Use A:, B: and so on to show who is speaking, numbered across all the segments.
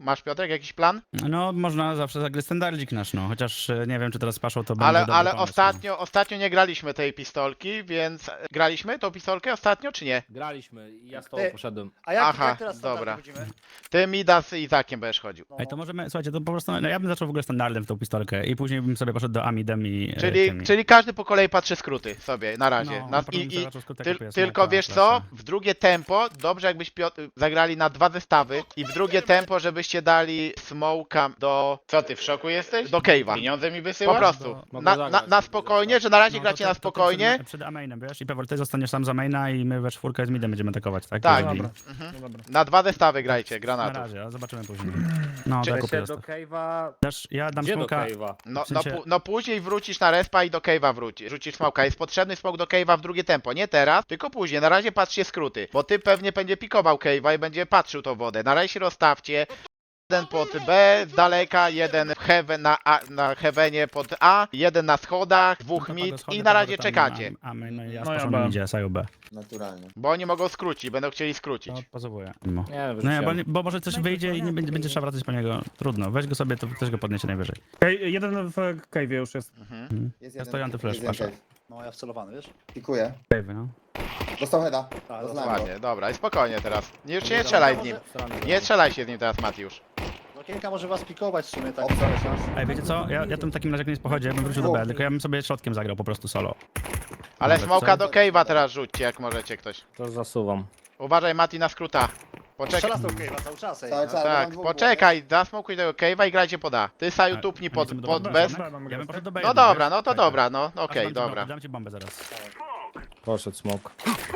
A: Masz, Piotrek, jakiś plan?
B: No, można zawsze zagrać standardzik nasz, no. Chociaż nie wiem, czy teraz z Paszą to będzie dobry
A: Ale
B: pomysł, no.
A: ostatnio nie graliśmy tej pistolki, więc... Graliśmy tą pistolkę ostatnio, czy nie?
C: Graliśmy i ja z tobą
D: Ty-
C: poszedłem.
D: A jak,
A: Aha,
D: jak teraz
A: dobra.
D: standardy chodzimy?
A: Ty, Mida z Izakiem będziesz chodził.
D: No.
B: Ej, to możemy, słuchajcie, to po prostu, no ja bym zaczął w ogóle standardem w tą pistolkę i później bym sobie poszedł do Amidem i tymi.
A: Czyli każdy po kolei patrzy skróty sobie, na razie.
B: No,
A: Na,
B: potem
A: i,
B: sobie
A: i,
B: zaczął skrótek
A: tyl,
B: kupuję,
A: tylko
B: smoka,
A: wiesz co,
B: flasha.
A: w drugie tempo, dobrze jakbyś zagrali na 2 zestawy i w drugie tempo, żebyście dali smoka do... Co ty, w szoku jesteś? Do cave'a. Pieniądze mi wysyłasz? Po prostu.
C: Mogę
A: Na
C: zagrać,
A: spokojnie, że na razie
B: No,
A: gracie
B: to
A: na
B: ty
A: spokojnie.
B: Przed amainem, wiesz? I Pewor, ty zostaniesz sam za maina i my we czwórkę z midem będziemy atakować, tak?
A: Tak.
B: Jeżeli-
E: Dobra. No dobra.
A: Na 2 zestawy grajcie,
B: Na
A: granatów.
B: razie, a zobaczymy później. No,
A: Czy-
B: tak
C: Się
B: kupię
C: do
B: zestaw.
C: cave'a...
B: Dasz, ja dam
C: Gdzie do
B: smoka.
C: cave'a?
A: No,
B: W sensie-
A: no później wrócisz na respa i do cave'a wrócisz. Rzucisz smoka. Jest potrzebny smok do cave'a w drugie tempo. Nie teraz, tylko później. Na razie patrzcie skróty. Bo ty pewnie będzie pikował cave'a i będzie patrzył tą wodę. Na razie się rozstawcie. Jeden pod B z daleka, jeden w heaven na heavenie pod A, jeden na schodach, dwóch
B: No to
A: mid
B: pago schody,
A: i na razie
B: Pewor tam
A: czekacie.
B: A my, no i ja
E: No ja
B: z
E: B.
B: Paszą idzie, Saju B.
F: Naturalnie.
A: Bo oni mogą skrócić, będą chcieli skrócić.
B: No, pozowuję.
C: Nie,
B: No nie,
C: wyrzuciłem.
B: bo może coś wyjdzie i nie będzie trzeba wracać po niego. Trudno, weź go sobie, to też go podniesie najwyżej.
E: Okej, jeden w cave'ie już jest.
F: Jest
B: Ja stoję antyflash,
F: jest jeden
B: Pasza.
F: cave.
D: No ja wcelowany, wiesz?
F: Pikuję.
B: Cave, no.
F: Dostał heada.
D: Tak,
F: Rozlałem go.
A: Ładnie, dobra, i spokojnie teraz. Już się nie strzelaj z nim. Nie strzelaj się z nim teraz, Matiusz.
D: Okienka może was pikować w sumie tak.
F: Obca.
B: Ej, wiecie co? Ja tym w takim razie jak nie pochodzie, ja bym wrócił do B, tylko ja bym sobie środkiem zagrał po prostu solo.
A: Ale
B: Nawet
A: smoka
B: co?
A: do cave'a teraz rzućcie, jak możecie ktoś.
C: To zasuwam.
A: Uważaj, Mati, na skróta. Poczekaj.
D: Strzela z tą cave'a cały czas, ej.
F: Cały
A: No
F: czas.
A: tak,
F: mam dwóch
A: poczekaj, zasmokuj tego cave'a i grajcie pod A. Ty, Saju,
B: A,
A: tupnij
B: a
A: pod
B: lecimy do
A: pod
B: B,
A: bez.
E: B mamy
B: Ja bym
E: grać,
B: poszedł
E: tak?
B: do B.
A: No
B: jednak,
A: dobra,
B: wiesz?
A: no to
B: Tak,
A: dobra, no
B: tak.
A: okej,
B: Dam ci
A: dobra.
B: Dam ci bombę zaraz.
C: Poszedł smok.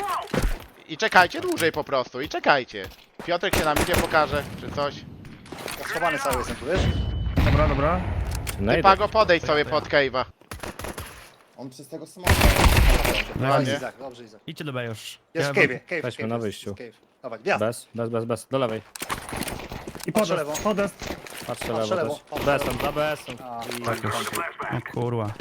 A: I czekajcie dłużej po prostu, i czekajcie. Piotrek się nam idzie, pokaże, czy coś.
D: Ja schowany cały jestem tu, wiesz?
E: Dobra, dobra.
A: Ty, Pago, podejdź sobie pod cave'a.
F: On przez tego smoka.
B: No,
A: Ładnie.
D: Izak, dobrze Izak.
B: idźcie do B już.
D: Jest w
B: Ja-
D: cave'ie, cave,
C: Weźmy
D: cave,
C: na
D: jest,
C: wyjściu.
D: jest cave. Dawaj, gwiazd.
C: Bez. Do lewej.
E: I
D: Patrzę lewo.
E: podest.
C: Patrzę
D: Patrzę
C: lewo
D: lewo,
C: też.
D: patrzę
C: Besem,
D: lewo.
C: za besem.
D: A,
B: Tak już. O kurwa.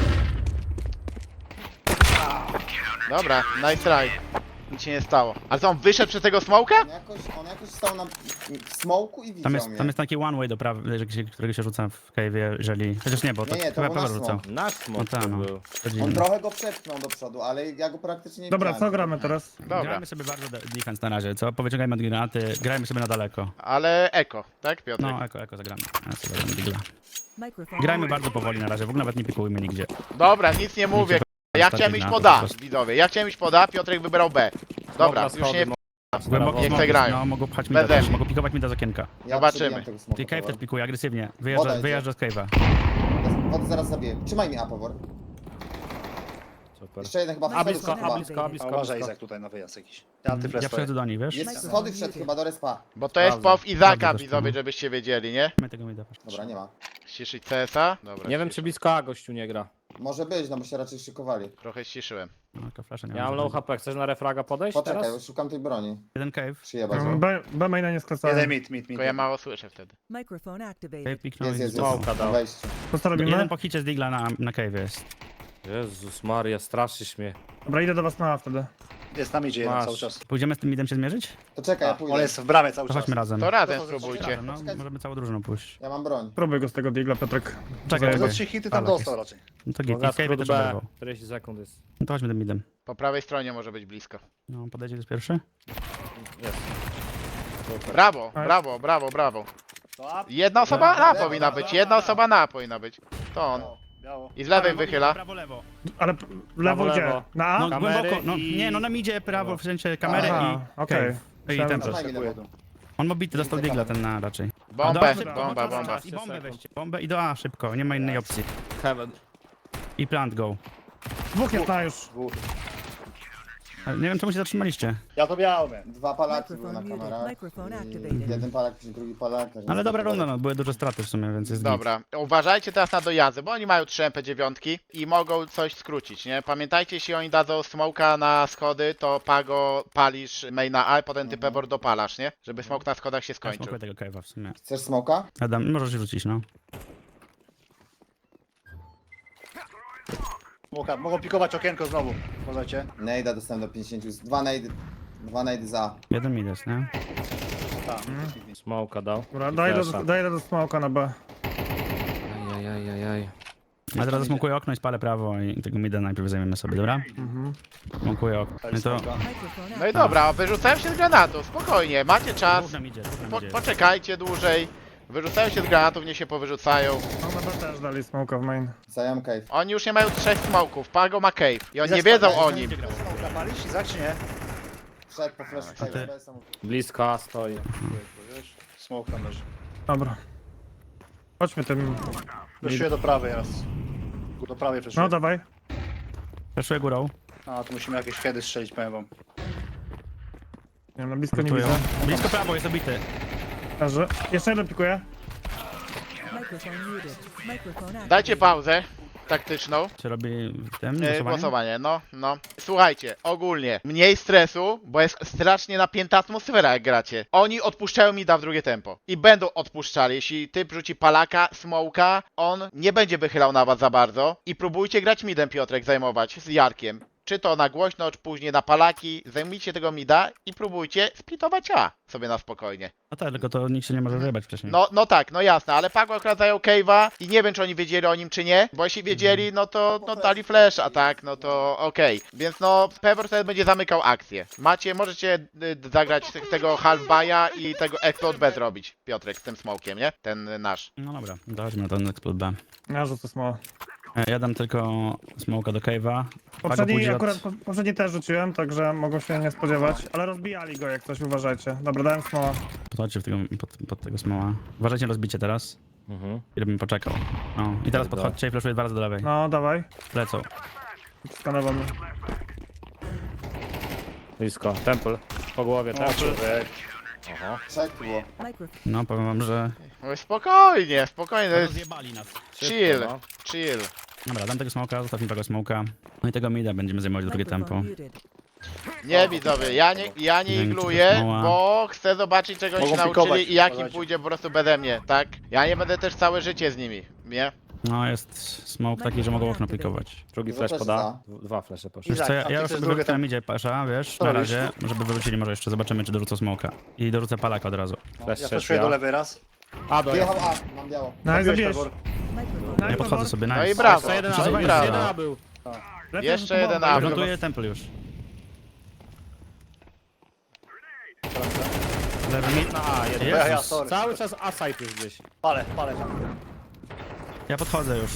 A: Dobra, nice try. Nic się nie stało. Ale co, on wyszedł przez tego smoka?
F: On jakoś stał na smoku i widział mnie.
B: Tam jest taki one way do prawej, którego się rzuca w cave'ie, jeżeli... Chociaż nie, bo to
F: Nie, to
B: chyba
F: był
B: Pewor
F: nasz
B: rzucał.
F: smok.
C: Nasz smok
B: No
C: to
B: tak, no.
C: był.
B: To
F: On
B: dziwne.
F: trochę go przepchnął do przodu, ale ja go praktycznie nie
E: Dobra,
F: widziałem.
E: co gramy teraz?
A: Dobra,
B: Grajmy sobie bardzo defense na razie, co? Powyciągajmy od granaty, grajmy sobie na daleko.
A: ale eko, tak Piotrek?
B: No, eko zagramy. Ja sobie zagram digla.
G: Microphone
B: Grajmy bardzo powoli na razie, w ogóle nawet nie pikujmy nigdzie.
A: Dobra, nic nie mówię. Ja chciałem iść pod A, widzowie. Ja chciałem iść pod A, Piotrek wybrał B. Dobra, już nie...
B: Głęboko
A: Nie
B: smoki,
A: chcę grać.
B: No, mogą pchać mi da
A: Beze
B: też,
A: mnie.
B: mogą pikować mi da z okienka.
F: Ja
A: Zobaczymy.
F: przebijam tego smoka,
B: Ty cave
F: Pawor.
B: też pikuje agresywnie,
F: Podaj,
B: wyjeżdża z cave'a.
F: Wody zaraz zabiję. Trzymaj mnie, Apowor.
C: Super.
F: Jeszcze jeden chyba
C: A
F: w
C: blisko,
F: chyba.
D: a uważaj Izak tutaj na wyjazd jakiś. Ja antyflash
B: Ja
D: stoję.
B: przechodzę do nich, wiesz?
F: Jest schody wszedł chyba do respa.
A: Bo to jest
C: Sprawdzam.
A: pow Izaka,
B: Sprawdzę też,
A: widzowie,
B: no.
A: żebyście wiedzieli, nie?
B: My tego mi da.
F: Dobra, nie ma.
A: Ściszyć CS-a? Dobra,
C: Nie wiem czy blisko A gościu nie gra.
F: Może być, no bo się raczej szykowali.
A: Trochę ściszyłem.
B: No, tylko flasha nie
C: Ja mam low HP, chcesz na refraga podejść
F: Poczekaj,
C: teraz?
F: szukam tej broni.
B: Jeden cave,
F: Przyjebać ją.
E: B maina nie skresałem.
D: Jeden mid.
A: Tylko ja mało słyszę wtedy.
G: Microphone activated.
B: cave piknął
F: Jest,
B: i
F: jest,
B: został.
F: jest.
C: Smoka
F: Na
C: dał.
F: wejściu.
E: To co robimy?
B: Jeden po hicie z digla na cave jest.
C: Jezus Maria, straszysz mnie.
E: Dobra, idę do was na A wtedy.
D: Jest tam idzie jeden
C: Masz.
D: cały czas.
B: Pójdziemy z tym midem się zmierzyć?
F: To czekaj, ja
D: On
F: pójdę.
D: jest w bramie cały
B: To
D: czas.
B: chodźmy razem.
A: To razem
F: To
A: spróbujcie.
B: No, możemy całą drużyną pójść.
F: Ja mam broń.
E: Próbuj go z tego digla, Piotrek.
B: Czekaj,
D: Za
B: czekaj.
D: 3 hity tam
B: Palak
D: dostał raczej.
B: No to git, i
C: Boga
B: w cave
C: skrót
B: też
C: B.
B: oberwał.
C: 40 sekund jest.
B: No to chodźmy tym midem.
A: Po prawej stronie może być blisko.
B: No, podejdzie jest pierwszy?
C: Jest. Super.
A: Brawo, brawo, brawo, brawo.
D: To up.
A: Jedna osoba na
F: Lewo,
A: powinna
F: lewo,
A: być,
D: lewo,
A: jedna
D: lewo.
A: osoba na powinna być. To on.
D: Biało.
A: I z lewej wychyla.
B: Prawo, lewo.
E: Ale lewo gdzie?
C: lewo.
E: Na A?
B: No
C: Kamery
B: głęboko, no
C: i-
B: nie, no nam idzie prawo, w sensie kamery
E: Aha,
B: i
E: okej.
B: cave. I
E: Myślałem,
B: tempo.
E: że-
F: Trzymaj mnie lewo.
B: On ma bity, dostał digla ten na raczej.
A: Bombę,
B: szybko,
A: bomba,
B: no to
A: bomba.
B: czas. I bombę weźcie, bombę i do A szybko, nie ma innej opcji.
C: Heaven.
B: I plant go.
E: Dwóch jest na już.
D: Dwóch.
B: Ale nie wiem czemu się zatrzymaliście.
D: Ja to miałem.
F: Dwa palaki były
G: Microphone
F: na
G: muted.
F: kamerach.
G: Microphone
F: I
G: activated.
F: jeden palak, drugi palak.
B: Ale dobra runda, no były duże straty w sumie, więc jest git.
A: Dobra, uważajcie teraz na dojazdy, bo oni mają 3 MP9 i mogą coś skrócić, nie? Pamiętajcie, jeśli oni dadzą smoka na schody, to Pago palisz maina A, potem ty Pebor dopalasz, nie? Żeby smok na schodach się
B: Ja
A: skończył.
B: smokuję tego cave'a w sumie.
F: Chcesz smoka?
B: Adam, możesz rzucić, no.
D: Mogą pikować okienko znowu. Uważajcie.
F: Nejda dostałem do 50. Dwa nejdy za.
B: Jeden mid jest, nie?
D: Tak.
C: Smoka dał.
E: Dobra,
C: I
E: daj
C: flasha.
E: do smoka na B.
C: Ajajajajaj.
B: Ja teraz zasmokuję okno i spalę prawo i tego mida najpierw zajmiemy sobie, dobra?
E: Mhm.
B: Smokuję okno. No to...
G: Microphone
A: No i dobra, wyrzucałem się z granatów, spokojnie, macie czas,
B: Dwóch nam idzie, dwóch nam idzie.
A: poczekajcie dłużej. Wyrzucają się z granatów, nie się powyrzucają.
E: No na B też dali smoka w main.
F: Zajam cave.
A: Oni już nie mają 3 smoków, Pago ma cave i oni nie
D: Izak
A: wiedzą
D: spadł.
A: o nim.
D: Smoka palisz, Izak, czy nie?
F: Wszedł po flashu
B: ty?
F: cave. bez samochodu.
C: Blisko A stoi.
D: Wiesz? Smoke tam leży.
E: Dobra. Chodźmy tym.
D: Fleszuję do prawej raz. Do prawej fleszuję.
E: No dawaj.
B: Przeszuję górą.
D: A, tu musimy jakieś kiedy strzelić, powiem wam.
E: Nie wiem, na blisko nie
B: Gotuję.
E: widzę.
B: Blisko prawo, jest obity.
E: Leży. Jeszcze jeden pikuje.
G: Microphone muted. Microphone activated.
A: Dajcie pauzę taktyczną.
B: Czy robi w tym
A: Głosowanie,
B: głosowanie?
A: no. Słuchajcie, ogólnie, mniej stresu, bo jest strasznie napięta atmosfera jak gracie. Oni odpuszczają mida w drugie tempo. I będą odpuszczali. Jeśli typ rzuci palaka, smoka, on nie będzie wychylał na was za bardzo. I próbujcie grać midem, Piotrek, zajmować z Jarkiem. Czy to na głośno, czy później na palaki. Zajmijcie tego mida i próbujcie splitować A sobie na spokojnie.
B: No tak, tylko to nikt się nie może wyjebać wcześniej.
A: No tak, no jasne, ale Pago akurat zajął cave'a i nie wiem, czy oni wiedzieli o nim, czy nie, bo jeśli wiedzieli, no to no, dali flash, a tak, no to okej. Więc no, Pevor wtedy będzie zamykał akcję. Możecie zagrać tego half-buy'a i tego explode B zrobić, Piotrek, z tym smokiem, nie? Ten nasz.
B: No dobra, to chodźmy na ten explode B.
E: Ja rzucę smoka.
B: Ja dam tylko smoka do cave'a.
E: Poprzedni też rzuciłem, także mogą się nie spodziewać. Ale rozbijali go jak coś, uważajcie. Dobra, dałem smoła.
B: Podchodźcie pod tego smoła. Uważajcie na rozbicie teraz.
C: Mhm.
B: Ile bym poczekał. No i teraz
C: Dobra.
B: podchodźcie i flashuję 2 razy do lewej.
E: No, dawaj.
B: Lecą.
E: Skanował mnie.
C: Blisko. Temple. Po głowie, temple. Aha.
F: Trzech tu było.
G: Microphone.
B: No powiem wam, że...
A: No spokojnie, spokojnie, to jest
B: Rozjebali nas.
A: chill,
C: no.
A: chill.
B: Dobra, dam tego smoka, zostaw mi tego smoka. No i tego mida będziemy zajmować drugie tempo.
G: Microphone muted.
A: Nie widzowie, ja nie
B: Dzięki,
A: igluję,
B: smoła.
A: bo chcę zobaczyć, czego oni się
D: Mogą
A: nauczyli
D: pikować,
A: i jak im
D: uważajcie.
A: pójdzie po prostu beze mnie, tak? Ja nie będę też całe życie z nimi, nie?
B: No jest smoke taki, że mogą okno pikować.
C: Drugi
F: Dużo
C: flash
F: też
C: poda. Dwa flashe poszły.
B: Wiesz co, ja
D: a ty
B: już
D: chcesz
B: sobie
D: drugie
B: wrócę na
D: tempo?
B: midzie pasza, wiesz,
D: Co
B: na
D: robisz?
B: razie, żeby wywrócili może jeszcze, zobaczymy czy dorzucą smoka. I dorzucę palaka od razu.
C: Flash
D: Ja
C: trzeci,
D: fleszuję do
C: ja.
D: lewej raz.
C: A, do
F: Wyjechał A, mam biało.
E: No i zabijesz.
G: Microphone.
B: Ja podchodzę sobie,
A: No i
B: nice.
A: brawo,
C: Jeszcze jeden
A: no
C: A
A: i
C: był.
A: brawo.
C: Jeden A był.
A: Jeszcze jeden A.
B: Plantuję temple już.
C: Lewy mid na A. Jeden.
D: Ja,
B: Jezus.
D: sorry.
C: Cały czas A site jest gdzieś.
D: Palę tam.
B: Ja podchodzę już.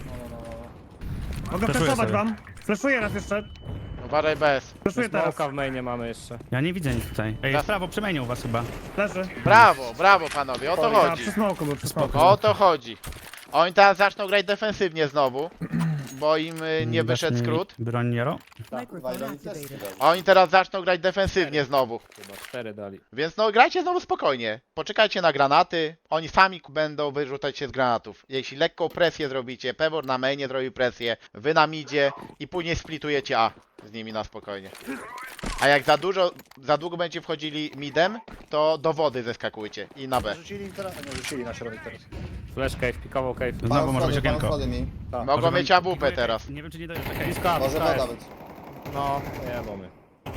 E: Mogę
B: Flashuję
E: flashować
B: sobie.
E: wam. Flashuję raz jeszcze.
A: Uważaj bez.
E: Flashuję teraz.
C: Smoka w mainie mamy jeszcze.
B: Ja nie widzę nic tutaj. Ej, w prawo przemienił was chyba.
E: Leży.
A: Brawo panowie, o to
E: A,
A: chodzi.
E: przy smoku był, przy smoku.
A: O to chodzi. Oni teraz zaczną grać defensywnie znowu, bo im nie wyszedł
B: Dasz mi
A: skrót.
B: Broń Jaro?
G: Microphone
F: Wajlon też
G: activated.
F: dali.
A: Oni teraz zaczną grać defensywnie znowu.
C: Chyba 4 dali.
A: Więc no grajcie znowu spokojnie. Poczekajcie na granaty. Oni sami będą wyrzucać się z granatów. Jeśli lekką presję zrobicie, Pevor na mainie zrobi presję, wy na midzie i później splitujecie A z nimi na spokojnie. A jak za długo będziecie wchodzili midem, to do wody zeskakujcie i na B.
D: Rzucili teraz? Nie, rzucili na środek teraz.
C: Flash cave, pikował cave.
B: Znowu może być
F: Pan
B: okienko.
F: schody mi.
A: Mogą
B: Może
A: mieć
B: wam-
A: AWP teraz.
B: Nie wiem czy nie dojeżdżę. Okej.
C: Blisko A,
F: Może
C: blisko A
F: woda
C: jest.
F: być.
C: No, nie mamy.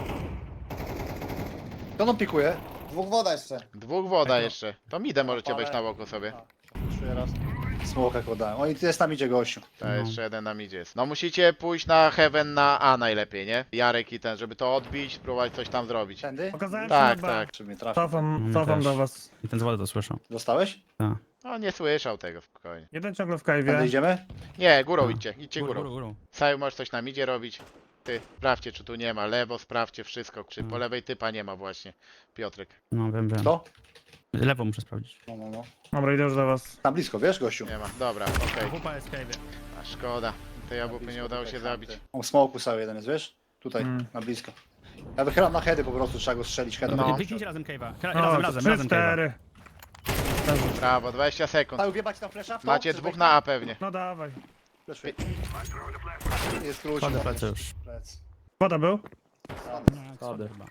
D: To on pikuje.
F: Dwóch woda jeszcze.
A: Dwóch woda jeszcze. To midem możecie
D: Ale-
A: wejść na boku sobie.
D: Fleszuję raz. Smoka dałem. Oni jest tam idzie gościu.
A: To
B: No.
A: jeszcze jeden na midzie jest. No musicie pójść na Heaven na A najlepiej, nie? Jarek i ten, żeby to odbić, spróbować coś tam zrobić.
D: Tędy?
E: Pokazałem
A: Tak,
E: się na B.
A: tak.
D: Czy mnie trafił?
E: Cofam
B: też.
E: do was.
B: I ten z wody to słyszą.
D: Dostałeś?
B: Tak.
A: No nie słyszał tego, spokojnie.
E: Jeden ciągle w
D: Tędy
E: cave'ie.
D: idziemy?
A: Nie, górą
B: No.
A: idźcie górą.
B: Górą.
A: Saju możesz coś na midzie robić. Ty, sprawdźcie czy tu nie ma, lewo sprawdźcie wszystko, czy po lewej typa nie ma właśnie. Piotrek.
B: No wiem.
D: To?
B: Lewo muszę sprawdzić.
D: No.
E: Dobra, idę już do was.
D: Tam blisko, wiesz gościu?
A: Nie ma, dobra, okej.
B: WP jest cave'ie.
A: A szkoda, tej AWP nie udało się zabić.
D: On smoku cały jeden jest, wiesz? Tutaj, na blisko. Ja wychylam na heady po prostu, trzeba go strzelić headem.
A: No.
B: Kliknijcie razem cave'a.
E: O,
B: Razem
E: 3-4.
B: cave'a.
A: Brawo, 20 sekund.
D: Cały wjebać tam flesza?
A: Macie dwóch na A pewnie.
E: No dawaj.
D: Fleszuję. Jest klucz.
B: Chodzę plecy już.
D: Plec.
E: Woda był?
C: Schody.
B: Chyba.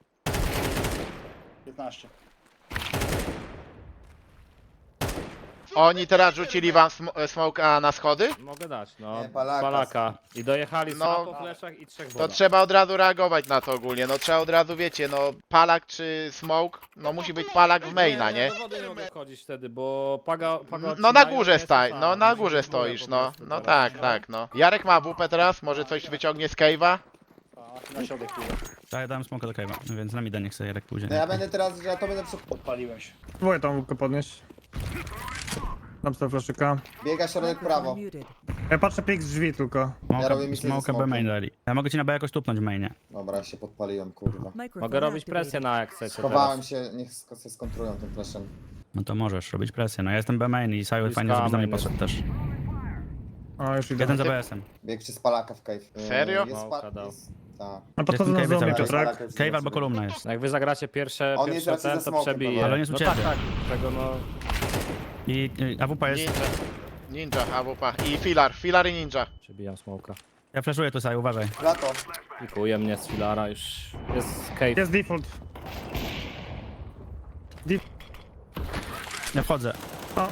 D: 15.
A: Oni teraz rzucili wam smoka na schody?
C: Mogę dać, no.
F: Nie, Palaka.
C: Palaka. I dojechali
A: No.
C: sam po fleszach i 3
A: To
C: woda.
A: trzeba od razu reagować na to ogólnie, no trzeba od razu, wiecie, no palak czy smoke, no musi być palak w maina, nie?
C: Ja do wody nie mogę wchodzić wtedy, bo paga
A: No na
C: odcinają,
A: górze
C: ja
A: staj,
C: jestem
A: no
C: sam.
A: na
C: Muszę
A: górze
C: być górę
A: stoisz,
C: po
A: no.
C: prostu
A: No
C: teraz.
A: tak, no. Jarek ma WP teraz, może coś wyciągnie z cave'a?
D: Tak, na środek pójdę.
B: Tak, ja dałem smoka do cave'a, więc na mida niech sobie Jarek pójdzie.
F: No ja będę teraz, że ja to będę
D: Podpaliłem się.
E: Próbuję tą łupkę podnieść. Dam sobie flaszyka.
F: biega środek prawo.
G: Microphone muted.
E: Ja patrzę pik z drzwi tylko.
F: Ja robię misję ze
B: Smoka B
F: smokiem.
B: main dali. Ja mogę ci na B jakoś tupnąć w mainie.
F: Dobra, się podpaliłem, kurwa.
G: Microphone
C: Mogę robić
G: activated.
C: presję na jak chcecie
F: Schowałem
C: teraz.
F: się, niech się skontrują tym flashem.
B: No to możesz robić presję. No ja jestem B main i Sajo
C: Bliska
B: fajnie, żebyś do mnie
C: main
B: poszedł też.
E: O, już idę.
B: Jeden za BS-em.
F: Bieg przez palaka w cave.
A: Serio?
F: Jest
C: Małka dał.
F: Tak.
E: No podchodzę na
B: Jestem
E: zombie,
B: cave'em
E: Piotrek.
F: Palaka jest
B: Cave albo
F: sobie.
B: kolumna jest.
C: Jak wy zagracie pierwsze
F: On jest raczej
C: ten,
F: ze
C: to
F: smokiem,
C: przebije.
B: ale on jest u
C: No
B: ciebie.
C: tak, tak. Tego no...
B: I AWP jest.
A: Ninja, AWP i filar i ninja.
C: Przebijam smoka.
B: Ja flashuję tu Sajo, uważaj.
F: Lato.
C: Pikuje mnie z filara już. Jest cave.
E: Jest default.
B: Ja wchodzę.
E: O.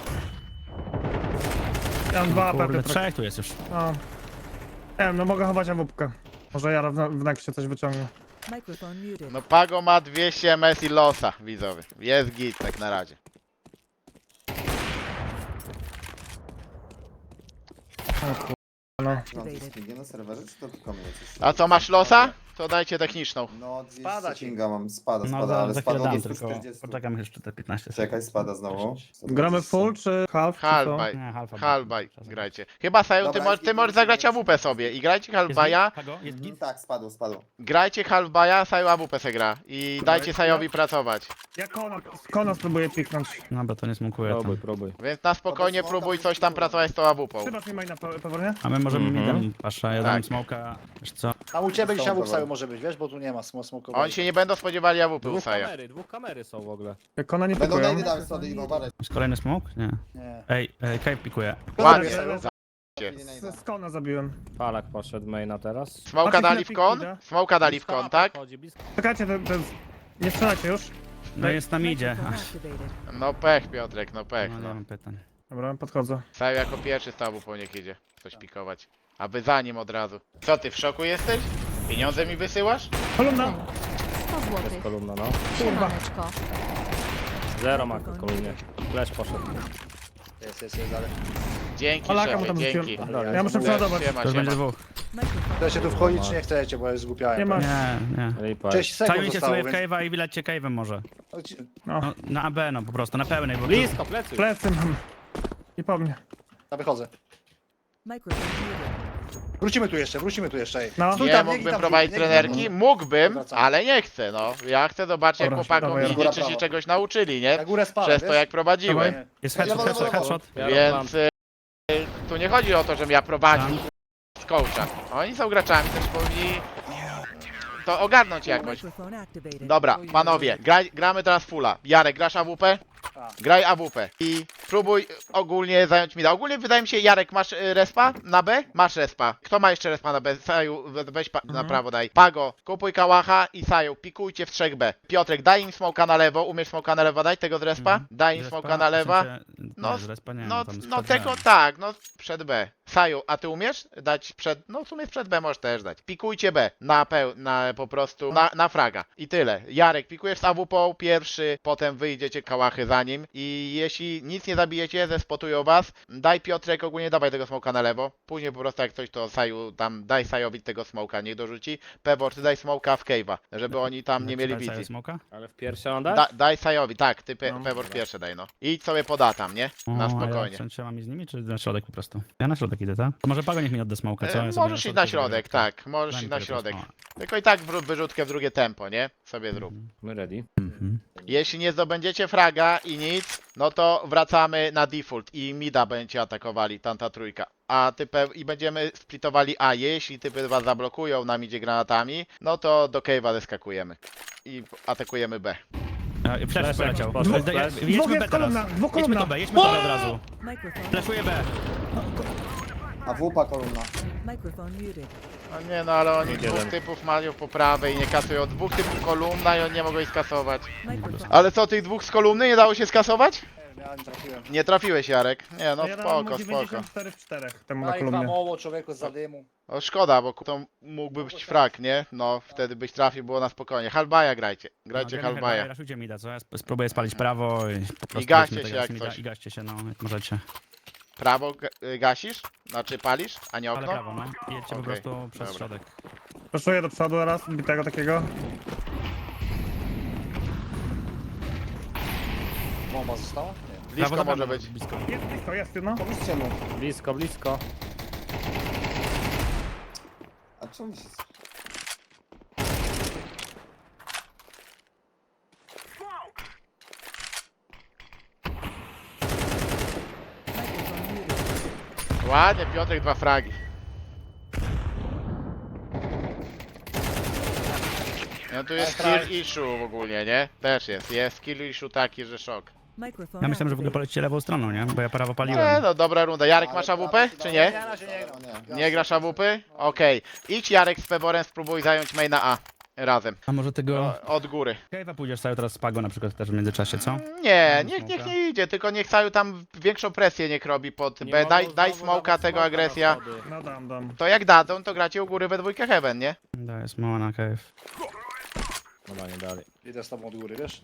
E: Ja mam 2 AP,
B: Kurde,
E: Piotrek.
B: 3 tu jest już.
E: O. Nie wiem, no mogę chować awupkę. Może ja w nexcie coś wyciągnę.
G: Microphone muted.
A: No Pago ma 200 MS i losa, widzowie. Jest git tak na razie.
E: No.
F: Mam coś z pingiem na serwerze, czy to tylko mnie coś?
A: A co, masz losa? To dajcie techniczną.
F: No,
D: Spada ci.
F: pinga mam, spada,
B: No
F: ale
B: za chwilę
F: spada
B: dam,
F: do
B: tylko
F: 140.
B: poczekam jeszcze te 15 sekund.
F: Czekaj, spada znowu.
E: Gramy full czy half? czy co?
A: Halbaj.
B: Nie, halfa.
A: Halbaj, grajcie. Chyba Saju, ty,
F: Dobra,
A: ty możesz zagrać AWP sobie i grajcie Halbaja.
B: Pago, jest git?
F: Tak, spadło.
A: Grajcie Halbaja, Saju AWP se gra. I dajcie Sajowi pracować.
E: Ja Kona spróbuję piknąć.
B: No bo to nie smukuje tam.
C: Próbuj, próbuj.
A: Więc na spokojnie próbuj coś tam pracować z tą AWP.
E: Chyba mi maina pewnie?
B: A my możemy
C: Mhm.
B: midem, pasza, ja
A: Tak.
B: dam smoka, wiesz co?
D: Tam u ciebie dzisiaj
F: Są
D: AWP
F: powoli.
D: może być, wiesz, bo tu nie ma smoke'owej.
A: Oni się nie będą spodziewali AWP u Saja.
C: Dwóch kamery są w ogóle.
E: Jak Kona nie
F: Będą
E: pikują.
F: najdy dały schody i uważaj.
B: Jest kolejny smok? Nie.
D: Nie.
B: Ej, cave pikuje.
A: Ładnie.
E: Dobra,
A: za-
E: Z Kona zabiłem.
C: Palak poszedł maina teraz.
A: Smoka
E: Patrzcie,
A: dali w
E: chwilę
A: kon?
E: idę.
A: Smoka dali w kon, tak?
C: Chodzi blisko.
E: Czekajcie, nie strzelajcie już.
B: No jest tam idzie.
G: Microphone activated.
A: No pech Piotrek, no pech,
B: No nie
A: no.
B: mam pytań.
E: Dobra, podchodzę.
A: Saju jako pierwszy z tabu po niech idzie. Coś pikować. A wy za nim od razu. Co ty, w szoku jesteś? Pieniądze mi wysyłasz?
E: Kolumna!
H: 100 zł.
C: Jest kolumna, no.
H: Siemaneczko.
C: Zero ma w kolumnie. Flash poszedł.
D: Jest, ale...
A: Dzięki
E: Polaka mu
A: szefie,
E: tam
A: dzięki.
E: rzuciłem. Ja muszę przeładować.
A: Siema,
B: To już będzie
A: siema.
B: dwóch.
G: Microphone
D: Chcecie tu wchodzić, czy nie chcecie, bo jest zgłupiałem.
E: Nie ma.
B: Nie, nie.
C: Lipa.
D: 6
B: Sajo
D: sekund
B: idzie
D: zostało,
B: sobie w
D: więc...
B: cave'a i wylecie cave'em może.
E: No,
B: No, na AB no po prostu, na pełnej, bo
C: Blisko, plecy.
E: plecy mam. I po mnie.
D: Ja wychodzę.
G: Microphone muted.
D: Wrócimy tu jeszcze, ej.
E: No.
D: Stój
A: Nie
D: tam, biegnij
A: mógłbym
D: tam,
A: prowadzić
D: biegnij,
A: trenerki?
D: biegnij.
A: Mógłbym,
D: Wracamy.
A: ale nie chcę, no. Ja chcę zobaczyć jak
E: Dobra,
A: chłopakom
E: dawaj,
A: idzie,
F: góra,
A: czy się
F: prawo.
A: czegoś nauczyli, nie?
D: Na górę spadam,
A: Przez to
D: wiesz?
A: jak prowadziłem.
E: Dawaj.
B: jest
F: Ja
B: headshot,
F: mam
B: headshot, headshot.
C: Ja
A: Więc tu nie chodzi o to, żebym ja prowadził
B: Tam.
A: z coacha. Oni są graczami, też powinni to ogarnąć jakoś.
G: Microphone activated.
A: Dobra, panowie, gramy teraz fulla. Jarek, grasz AWP?
D: Tak.
A: Graj AWP i spróbuj ogólnie zająć mida. Ogólnie wydaje mi się, Jarek, masz respa na B? Masz respa. Kto ma jeszcze respa na B? Saju, weź na prawo daj. Pago, kupuj kałacha i Saju, pikujcie w 3B. Piotrek, daj im smoka na lewo, umiesz smoka na lewo dać tego z respa? Daj im
B: Z
A: smoka
B: respa?
A: na lewa.
B: W sensie,
A: No,
B: nie, z respa nie,
A: No,
B: tam
A: no
B: z
A: tego
B: B.
A: tak, no przed B. Saju, a ty umiesz dać przed, no w sumie przed B możesz też dać. Pikujcie B, na po prostu, na fraga. I tyle. Jarek, pikujesz z AWP pierwszy, potem wyjdziecie kałachy za nim i jeśli nic nie zabijecie, zespotują was, daj Piotrek, ogólnie dawaj tego smoka na lewo. Później po prostu jak coś to Saju, tam daj Sajowi tego smoka, niech dorzuci. Pewor, ty daj smoka w cave'a, żeby oni tam nie mieli
B: Dać
A: wizji.
B: smoka?
C: Ale w pierwsze on dać?
A: Daj Sajowi, tak, ty
E: No.
A: Pewor pierwszy daj, no. Idź sobie poda tam, nie? Na
B: O,
A: spokojnie.
B: A ja trzeba mi z nimi, czy na środek po prostu? Ja na środek idę, tak? To może Pago niech mi odda smoka, co? Ja sobie
A: Możesz iść na środek, tak, możesz
B: Daj
A: iść
B: mi
A: na
B: tego
A: środek.
B: smoka.
A: Tylko i tak wyrzutkę w drugie tempo, nie? Sobie zrób.
C: My ready.
B: Mhm.
A: Jeśli nie zdobędziecie fraga i nic, no to wracamy na default i mida będziecie atakowali, tamta trójka. A i będziemy splitowali A. Jeśli typy was zablokują na midzie granatami, no to do cave'a zeskakujemy. I atakujemy B.
B: Flash
C: Flash
B: poleciał.
C: poszedł,
B: Jedźmy
C: flash.
B: B
E: Dwóch jest
B: teraz.
E: kolumna, dwóch
B: Jedźmy
E: kolumna.
B: to B, jedźmy to B od razu.
G: Microphone.
B: Flashuję B.
F: A wupa kolumna.
G: Microphone muted.
A: No nie no, ale oni
C: Jeden.
A: dwóch typów mają po prawej i nie kasują. Dwóch typów kolumna i oni nie mogą ich skasować.
G: Microphone.
A: Ale co, tych dwóch z kolumny nie dało się skasować?
D: Ja nie trafiłem.
A: Nie trafiłeś, Jarek. Nie, no
E: Ja dałem mu
A: spoko, spoko.
E: 94 w 4 temu na
D: Daj dwa
E: kolumnie.
D: moło człowieku z zadymu.
A: O, szkoda, bo to mógłby być frak, nie? No, wtedy byś trafił, było na spokojnie. Halbaja grajcie. Grajcie Halbaja.
B: Raszujcie mi da, co? Ja spróbuję spalić prawo i po prostu...
A: gaście
B: weźmy
A: się
B: tego
A: jak
B: mida
A: coś.
B: I gaście się, no, jak możecie.
A: Prawo gasisz? Znaczy palisz, a nie
B: Ale
A: okno?
B: prawo, no. I jedźcie po
A: Okej,
B: prostu przez
A: dobra.
B: środek.
E: Proszuję do przodu raz, bitego takiego.
D: Bomba została? Nie.
A: Blisko
B: Prawo za
A: może
B: mną,
A: być.
B: Blisko.
E: Jest blisko, jest, no.
F: Pomóżcie mu.
C: Blisko, blisko.
F: A czemu się...
G: Microphone muted.
A: Ładnie, Piotrek, 2 fragi. No tu jest kill issue ogólnie, nie? Też jest. Jest kill issue taki, że szok.
G: Microphone
B: Ja myślałem, że w ogóle
G: activated.
B: polecicie lewą stroną, nie? Bo ja prawo
A: Nie,
B: paliłem.
A: no dobra runda. Jarek, masz AWP, czy nie?
D: Na razie nie gram.
A: Nie grasz AWP? Okej. Idź Jarek z Peborem, spróbuj zająć maina A. Razem.
B: A może tego...
A: Od góry.
B: Cave'a pójdziesz sobie teraz z Pago na przykład też w międzyczasie, co?
A: Nie,
B: Mam
A: niech
B: smoka.
A: nie idzie, tylko niech Saju tam większą presję niech robi pod
C: Nie
A: B.
C: mogą
A: Daj
C: znowu
A: smoka
C: dawać
A: tego
C: smoka na
A: agresja.
C: schody.
E: No dam.
A: To jak dadzą, to gracie u góry we dwójkę heaven, nie?
B: Daję smoła na cave.
C: Dobra, nie dali.
D: Idę z tobą od góry, wiesz?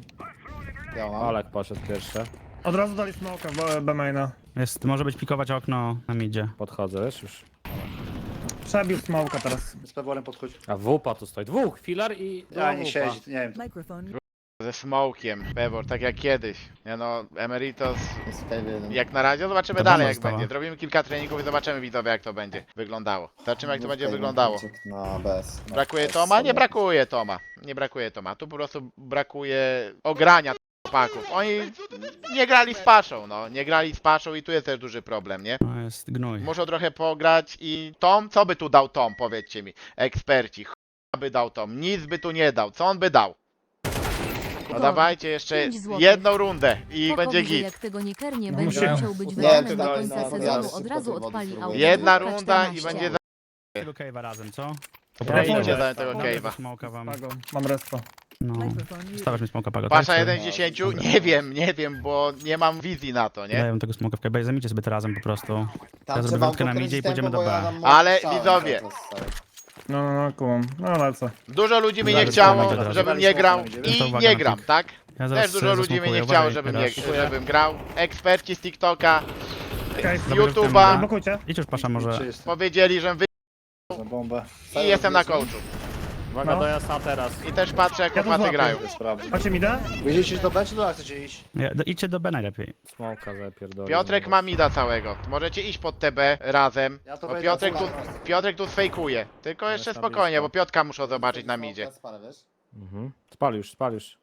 F: Ja mam.
C: Olek poszedł pierwszy.
E: Od razu dali smoka w B-maina.
B: Jest, może być pikować okno na midzie.
C: Podchodzę, wiesz już.
E: Przebił smoka teraz.
D: Z peworem podchodzi.
C: A wupa tu stoi. Dwóch, filar i...
D: Ja nie
C: wupa.
D: siedzi, nie wiem.
G: Microphone
A: Ze smokiem, Pebor, tak jak kiedyś. Nie no, Emeritus,
F: Jest w cave'ie jeden.
A: jak na razie, zobaczymy
B: To
A: dalej
B: bomba
A: jak
B: została.
A: będzie. Zrobimy kilka treningów i zobaczymy widzowie jak to będzie wyglądało. Zobaczymy jak to
F: Był
A: będzie
F: cave'ie,
A: wyglądało.
F: uciekł Na bez.
A: Brakuje
F: bez
A: Toma? Nie
F: sobie.
A: brakuje Toma. Nie brakuje Toma. Tu po prostu brakuje ogrania chłopaków. Oni nie grali z Paszą, no. Nie grali z Paszą i tu jest też duży problem, nie?
B: No jest gnój.
A: Muszą trochę pograć i Tom, co by tu dał Tom, powiedzcie mi. Eksperci, by dał Tom, nic by tu nie dał. Co on by dał? No dawajcie jeszcze
H: 5 złotych.
A: jedną rundę i
H: Pokowi,
A: będzie
H: że
A: git.
H: jak tego nie kernie,
E: No
H: będzie
E: musimy.
H: musiał być
F: Nie,
H: wydany
F: to
H: do
F: daj
H: końca
F: na
H: sezonu,
F: podjazd,
H: od razu
F: pod
H: odpali
F: wodą
H: auto.
A: Jedna
H: Dwójka
A: runda i
H: 14.
A: będzie za...
B: Tego cave'a razem, co?
A: Idźcie
B: Idę.
A: za tego
E: Dobra.
A: cave'a.
B: Smoka wam.
E: Pago, mam respo.
B: No.
G: Microphone muted.
B: Stawiasz mi smoka Pago, tak?
A: Pasza
B: Czy-
A: 1 z 10? Nie wiem, bo nie mam wizji na to, nie?
B: Daję tego smoka w cave'a, zamicie sobie to razem po prostu.
F: Tam
B: Ja zrobię
F: trzeba
B: wrotkę na
F: pokręcić
B: midzie i
F: tempo,
B: pójdziemy do
F: bo ja
B: B.
F: tam mam
A: Ale
F: strzał
A: widzowie.
F: cały czas, stary.
E: No, kumam. No lecę.
A: Dużo ludzi mi nie
B: Zaraz
A: chciało,
B: będzie teraz.
A: żebym nie grał
B: To
A: i
B: uwaga
A: nie
B: na
A: gram,
B: tych.
A: tak?
B: Ja zaraz
A: Też dużo ludzi mi nie
B: zasmokuję,
A: chciało,
B: uważaj,
A: żebym grał. Eksperci z TikToka,
E: Okej,
A: z
B: Dobra,
A: YouTube'a
E: blokujcie.
B: Idź już Pasza może.
D: Czy jest
A: powiedzieli, że wy...
D: za bombę?
A: i jestem na coachu.
C: Uwaga
E: No.
C: do jasa teraz.
A: I też patrzę jak
E: Ja to
A: chłopacy
E: złapię.
A: grają.
D: To sprawdzę.
E: Macie mi da?
D: Wiedzieliście do B czy do A chcecie iść?
B: Idźcie do B najlepiej.
C: Smoka zapierdolił.
A: Piotrek ma mida całego. Możecie iść pod TB razem.
D: Ja to
A: Bo
D: wejdę
A: Piotrek tu sfejkuje. Tylko jeszcze
C: Jest na
A: spokojnie,
C: blisko.
A: bo Piotka muszą zobaczyć na midzie.
F: Spalę, wiesz?
C: Spal już, spal już.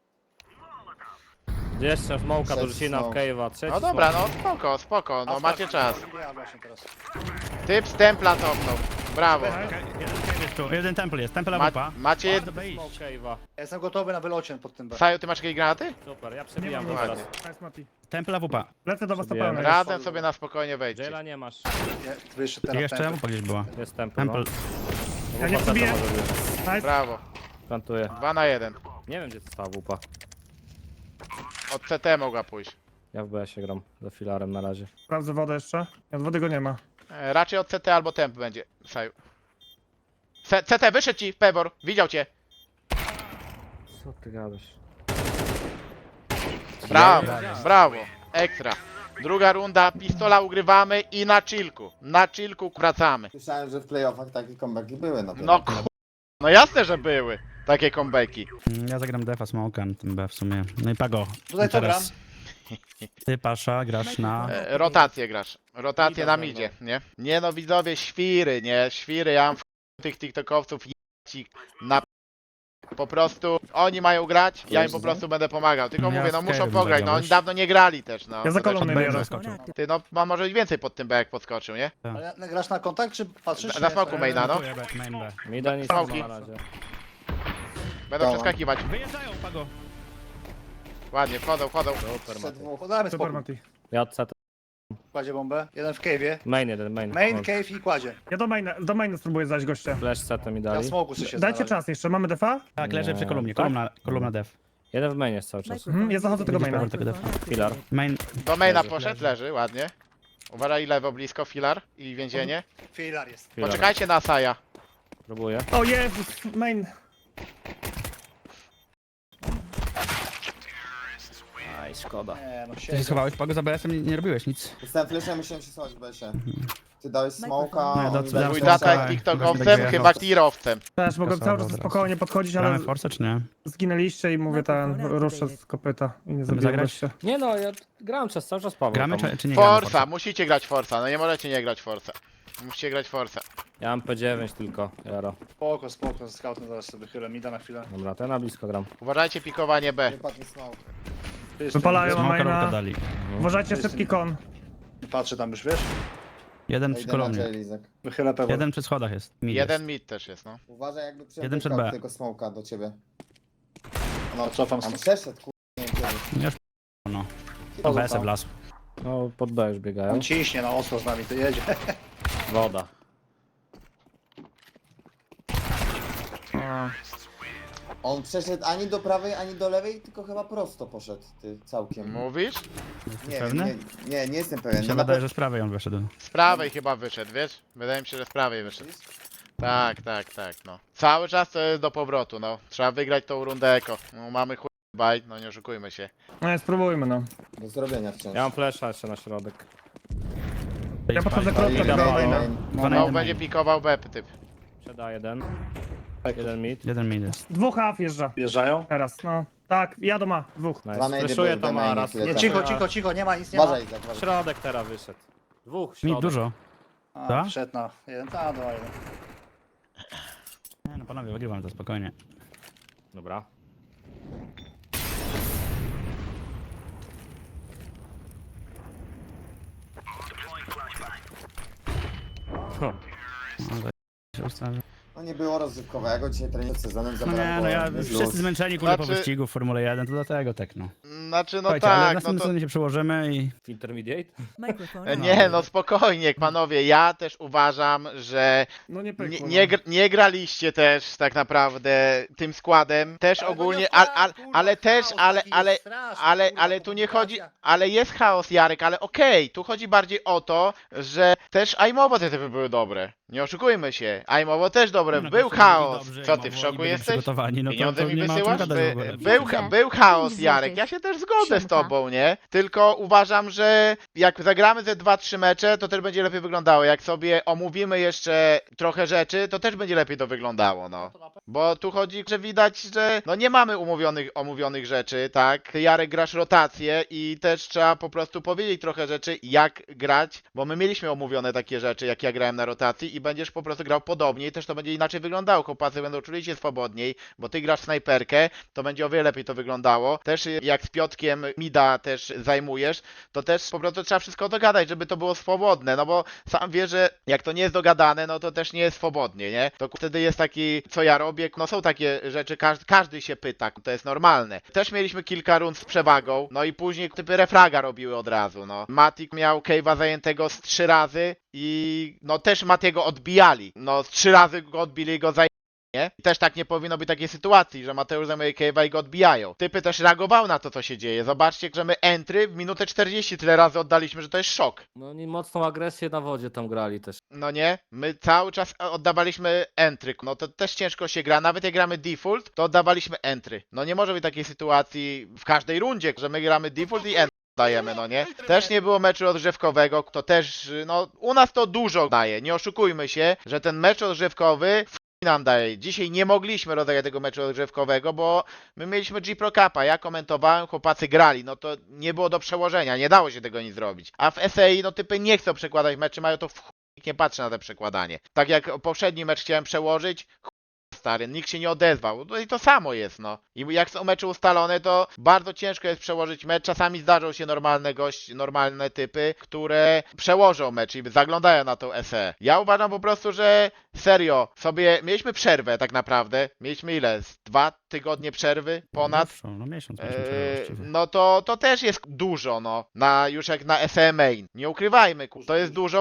C: Jeszcze smoka
F: Trzeci
C: do Rzucina w
F: smoke.
C: cave'a. Trzeci
A: No dobra,
C: smoke.
A: no spoko, spoko, no macie czas.
D: Ja właśnie teraz.
A: Typ z templa cofnął. Brawo.
B: Jeden cave jest tu, jeden temple jest, temple AWP.
A: Macie...
B: Do B iść.
C: Smoke cave'a.
D: Ja jestem gotowy na wylocie pod tym B.
A: Saju, ty masz jakieś granaty?
C: Super, ja przebijam
E: Nie
C: go
E: mam
C: teraz.
E: Nice, Mati.
B: Temple AWP.
E: Lecę do was na
C: Przebijemy.
E: pełnej.
A: Razem sobie na spokojnie wejdźcie.
C: Jaila nie masz.
D: Nie, wy jeszcze
B: I
D: teraz
B: jeszcze
D: tempo.
B: AWP gdzieś była.
C: Jest temple, no.
B: Temple.
E: Ja nie przebiję.
C: Może być.
E: Nice.
A: Brawo.
C: Plantuję.
A: 2 na 1.
C: Nie wiem gdzie to stała wupa.
A: Od CT mogła pójść.
C: Ja w BS-ie gram. Za filarem na razie.
E: Sprawdzę wodę jeszcze. Od wody go nie ma.
A: Raczej od CT albo temp będzie. Saju. CT, wyszedł ci, Pebor. Widział cię.
C: Co ty gadasz?
A: Brawo, brawo. Ekstra. Druga runda, pistola ugrywamy i na chillku. Na chillku wracamy.
F: Słyszałem, że w playoffach takie comebacki były na
A: No no jasne, że były takie comebacki.
B: Ja zagram defa smoka na tym B w sumie. No i Pago.
D: Tutaj co gram?
B: Ty Pasza grasz na...
A: Rotację grasz. Rotację na midzie, nie? Nie no widzowie, świry, nie? Świry, ja mam tych tiktokowców ci na... Po prostu oni mają grać, ja im po prostu będę pomagał. Tylko
B: Ja
A: mówię, no
B: w
A: muszą
B: Skyrim
A: pograć, no
B: zagram,
A: oni
B: wiesz?
A: dawno nie grali też, no.
E: Ja za
A: To też-
E: kolumny
B: B
E: biorę.
B: zaskoczył.
A: Ty no, ma może i więcej pod tym B jak podskoczył, nie?
D: Ale grasz na kontakt czy patrzysz?
A: Na
D: Nie,
A: smoku
D: stary.
A: maina, no.
B: Dziękuję, B, main B.
C: Mi da nic
A: Smoki.
C: nie ma na razie.
A: Będą
F: Dobra.
A: przeskakiwać.
B: Wyjeżdżają, Pago.
A: Ładnie, wchodzą.
C: Super,
F: Przed
C: Mati.
F: dwóch.
D: Podamy
E: Super,
D: spokój.
E: Mati.
C: Ja od CT.
D: Kładzie bombę. Jeden w cave'ie.
C: Main jeden, main.
D: Main,
C: O,
D: cave i kładzie.
E: Ja do maina spróbuję zajść gościa.
C: Flash CT mi
D: Ja
C: dali.
D: smoku sobie się
E: Dajcie
D: znalazł.
E: czas jeszcze, mamy defa?
B: Tak, leży
C: Nie,
B: przy kolumnie.
C: tak?
B: Kolumna def.
C: Jeden w mainie jest cały czas.
G: Microphone
E: ja zachodzę tego
B: Widzisz,
E: maina.
B: Paweł, tego
G: Microphone
C: Filar.
G: activated.
B: Main,
A: Do maina
C: Leży,
A: poszedł, leży, ładnie. Uważaj lewo, blisko, filar i więzienie.
D: Filar jest.
C: Filar.
A: Poczekajcie na Asaja.
C: Próbuję.
E: O Jezus, main.
C: Aj, szkoda.
D: Nie, no
B: ty się
D: siedzi.
B: schowałeś, Pago, za BS-em nie robiłeś nic.
F: Dostałem flesza, musiałem się schować w besie. Ty dałeś smoka,
G: No,
F: oni
B: dobrze,
F: dali
A: Mój
B: Dobra,
A: tata
F: flasha.
A: jest
B: tak,
A: TikTokowcem,
B: dobra,
A: chyba
B: dobra.
A: tirowcem.
E: Też mogłem
B: Kasował
E: cały czas
B: od razu.
E: spokojnie podchodzić, ale
B: Gramy Force czy nie?
E: zginęliście i mówię ten, ruszę z kopyta i nie zabiłem
B: zagrać?
E: się.
C: Nie no, ja grałem cały czas Paweł.
B: Gramy
C: tam.
B: czy nie gramy
A: Forza, musicie grać Forza, no nie możecie nie grać Forza. Musicie grać Forza.
C: Ja mam P9 tylko, Jaro.
D: Spoko, scoutem zaraz sobie chylę, mi da na chwilę.
C: Dobra, to ja na blisko gram.
A: Uważajcie pikowanie B.
F: Wypadł mi smoke.
E: Wypalają
B: Smoka
E: maina.
B: rolkę dali.
E: Uważajcie, szybki kon.
D: Patrzę tam już, wiesz?
B: Jeden
F: Ja
B: przy
F: idę na
B: kolumnie.
F: J-Lizek.
D: Wychylę pewnie.
B: Jeden przy schodach jest. Mid
A: Jeden
B: jest.
A: mid też jest, no.
F: Uważaj, jakby
B: Jeden przed B.
F: przed tylko smoka do ciebie.
D: No, cofam
F: Tam
D: stąd.
F: przeszedł, nie wiem kiedy.
B: Już no.
D: Chodzą
B: BS-em
D: tam.
B: wlasł.
C: No, pod B już biegają.
D: On ciśnie na ostro z nami, to jedzie.
C: Woda.
F: On przeszedł ani do prawej, ani do lewej, tylko chyba prosto poszedł, ty, całkiem.
A: Mówisz?
F: Nie wiem,
B: pewny?
F: nie jestem
B: Mi
F: pewien.
B: się
F: No na
B: wydaje, że z prawej on wyszedł.
A: Z prawej chyba wyszedł, wiesz? Wydaje mi się, że z prawej wyszedł. Tak, no. Cały czas to jest do powrotu, no. Trzeba wygrać tą rundę eko. No, mamy chuj bajt, no nie oszukujmy się.
E: No spróbujmy no.
F: do zrobienia wciąż.
C: Ja mam flasha jeszcze na środek.
E: Ja podchodzę
F: No
E: krótko
F: i
E: do
C: Dobra,
E: maina.
B: Dwa na
A: No
B: jeden
A: będzie
B: main.
A: pikował B typ.
C: Przeda jeden. Jeden mid.
B: Jeden mid jest.
E: Dwóch A wjeżdża.
D: Wjeżdżają?
E: Teraz, no. Tak, jadą ma. Dwóch.
F: Dwa
C: Nice.
F: najdy
C: Flashuję
F: były
C: tam
F: w mainie
C: raz.
F: chwilę
D: Nie,
F: temu.
D: cicho, nie ma nic, nie ma.
F: Uważaj, Izak, uważaj.
C: Środek teraz wyszedł. Dwóch,
B: Mid
C: środek.
B: dużo.
D: A,
B: Tak?
D: wszedł na jeden, a, dwa, jeden.
B: Nie, no panowie, wygrywam to spokojnie.
C: Dobra.
B: No, to się ustawię.
F: No nie było rozrywkowego, dzisiaj trening przed sezonem
B: No
F: zabrałem
B: nie, no ja
F: go
B: wszyscy zmęczeni kurde po
A: Znaczy-
B: wyścigu w Formule 1, to dlatego tak no.
A: Znaczy, no
B: Słuchajcie, ale w
A: tak, no
B: następnym
A: to...
B: sezonie się przełożymy i
C: Intermediate?
G: Microphone
A: Nie, no spokojnie, panowie, ja też uważam, że
E: No nie
A: nie,
E: pykło.
A: nie graliście też tak naprawdę tym składem, też ogólnie, ale też, ale tu nie chodzi, ale jest chaos, Jarek, ale okej, tu chodzi bardziej o to, że też aimowo te typy były dobre, nie oszukujmy się, aimowo też dobre,
B: no,
A: był
B: goście
A: chaos,
B: byli dobrzy
A: co
B: i
A: ty w
B: mogło- i
A: szoku
B: byli
A: jesteś?
B: przygotowani, no to,
A: Pieniądze
B: to
A: mi
B: nie ma o czym
A: wysyłasz?
B: gadać w ogóle.
A: Był chaos,
H: 5
A: Jarek,
H: złotych.
A: ja się też zgodzę z
H: Siemka.
A: tobą, nie? Tylko uważam, że jak zagramy ze 2-3 mecze, to też będzie lepiej wyglądało. Jak sobie omówimy jeszcze trochę rzeczy, to też będzie lepiej to wyglądało, no. Bo tu chodzi, że widać, że no nie mamy omówionych rzeczy, tak? Ty, Jarek, grasz rotację i też trzeba po prostu powiedzieć trochę rzeczy, jak grać, bo my mieliśmy omówione takie rzeczy, jak ja grałem na rotacji i będziesz po prostu grał podobnie i też to będzie inaczej wyglądało. Chłopacy będą czuli się swobodniej, bo ty grasz snajperkę, to będzie o wiele lepiej to wyglądało. Też jak z Piotkiem Mida też zajmujesz, to też po prostu trzeba wszystko dogadać, żeby to było swobodne, no bo sam wiesz, że jak to nie jest dogadane, no to też nie jest swobodnie, nie? To wtedy jest taki, co ja robię, no są takie rzeczy, każdy się pyta, to jest normalne. Też mieliśmy kilka rund z przewagą, no i później typy refraga robiły od razu, no. Matik miał Cave'a zajętego z 3 razy i no też Matiego odbijali, no z 3 razy go odbili go nie? I też tak nie powinno być takiej sytuacji, że Mateusz zajmuje Cave'a i go odbijają. Typy też reagowały na to, co się dzieje. Zobaczcie, że my entry w minutę 40 tyle razy oddaliśmy, że to jest szok.
C: No oni mocną agresję na wodzie tam grali też.
A: No nie? My cały czas oddawaliśmy entry. No to też ciężko się gra. Nawet jak gramy default, to oddawaliśmy entry. No nie może być takiej sytuacji w każdej rundzie, że my gramy default i entry dajemy, no nie? Też nie było meczu rozgrzewkowego, to też, no u nas to dużo daje. Nie oszukujmy się, że ten mecz rozgrzewkowy nam daje. Dzisiaj nie mogliśmy rozegrać tego meczu rozgrzewkowego, bo my mieliśmy G-Pro Cupa, ja komentowałem, chłopacy grali, no to nie było do przełożenia, nie dało się tego nic zrobić. A w SAI, no typy nie chcą przekładać meczy, mają to w chuj, nikt nie patrzy na to przekładanie. Tak jak poprzedni mecz chciałem przełożyć, stary, nikt się nie odezwał. No i to samo jest, no. I jak są mecze ustalone, to bardzo ciężko jest przełożyć mecz. Czasami zdarzą się normalne typy, które przełożą mecz i zaglądają na tą SE. Ja uważam po prostu, że serio, sobie mieliśmy przerwę tak naprawdę. Mieliśmy ile? Z 2 tygodnie przerwy? Ponad?
B: Dłuższą, no miesiąc mieliśmy przerwę właściwie.
A: No to też jest dużo, no. Już jak na SE main. Nie ukrywajmy, to jest dużo w chuj.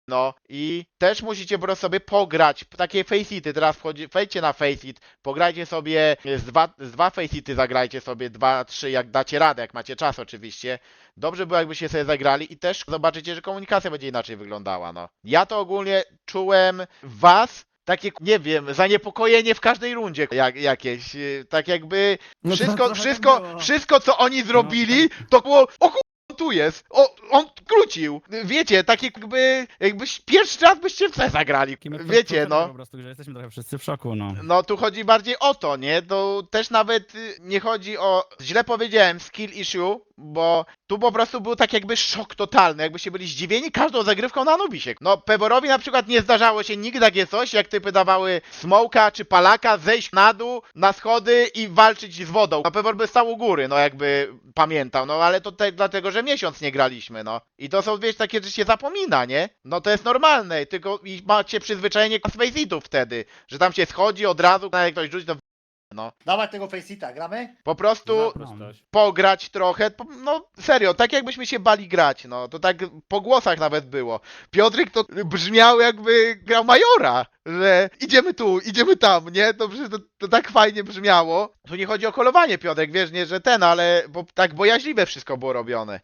A: No i też musicie po prostu sobie pograć. Takie faceity, teraz wejdźcie na faceit, pograjcie sobie z dwa faceity, zagrajcie sobie 2-3, jak dacie radę, jak macie czas oczywiście. Dobrze było, jakbyście sobie zagrali i też zobaczycie, że komunikacja będzie inaczej wyglądała, no. Ja to ogólnie czułem w was takie, nie wiem, zaniepokojenie w każdej rundzie jakieś, tak jakby
E: No to
A: wszystko,
E: trochę
A: wszystko,
E: tak było.
A: wszystko co oni zrobili, to było, o on tu jest, on krócił. Wiecie, takie jakby pierwszy raz byście w C zagrali.
B: Takimi
A: Wiecie,
B: odczuciami
A: no.
B: Po prostu, że jesteśmy trochę wszyscy w szoku, no.
A: No tu chodzi bardziej o to, nie? To też nawet nie chodzi o, źle powiedziałem, skill issue, bo tu po prostu był tak jakby szok totalny, jakbyście byli zdziwieni każdą zagrywką na Anubisie. No Peworowi na przykład nie zdarzało się nigdy takie coś, jak typy dawały smoka czy palaka, zejść na dół, na schody i walczyć z wodą. No Pewor by stał u góry, no jakby pamiętał, no ale to dlatego, że miesiąc nie graliśmy, no. I to są, wiesz, takie, że się zapomina, nie? No to jest normalne, tylko i macie przyzwyczajenie faceitów wtedy, że tam się schodzi od razu, jak ktoś rzuci, to no.
D: Dawaj tego faceita, gramy?
A: Po prostu
C: Zaprostość.
A: pograć trochę, no serio, tak jakbyśmy się bali grać, no, to tak po głosach nawet było. Piotrek to brzmiał jakby grał Majora, że idziemy tu, idziemy tam, nie? To przecież to tak fajnie brzmiało. Tu nie chodzi o kolowanie, Piotrek, wiesz, nie, że ten, ale bo tak bojaźliwe wszystko było robione.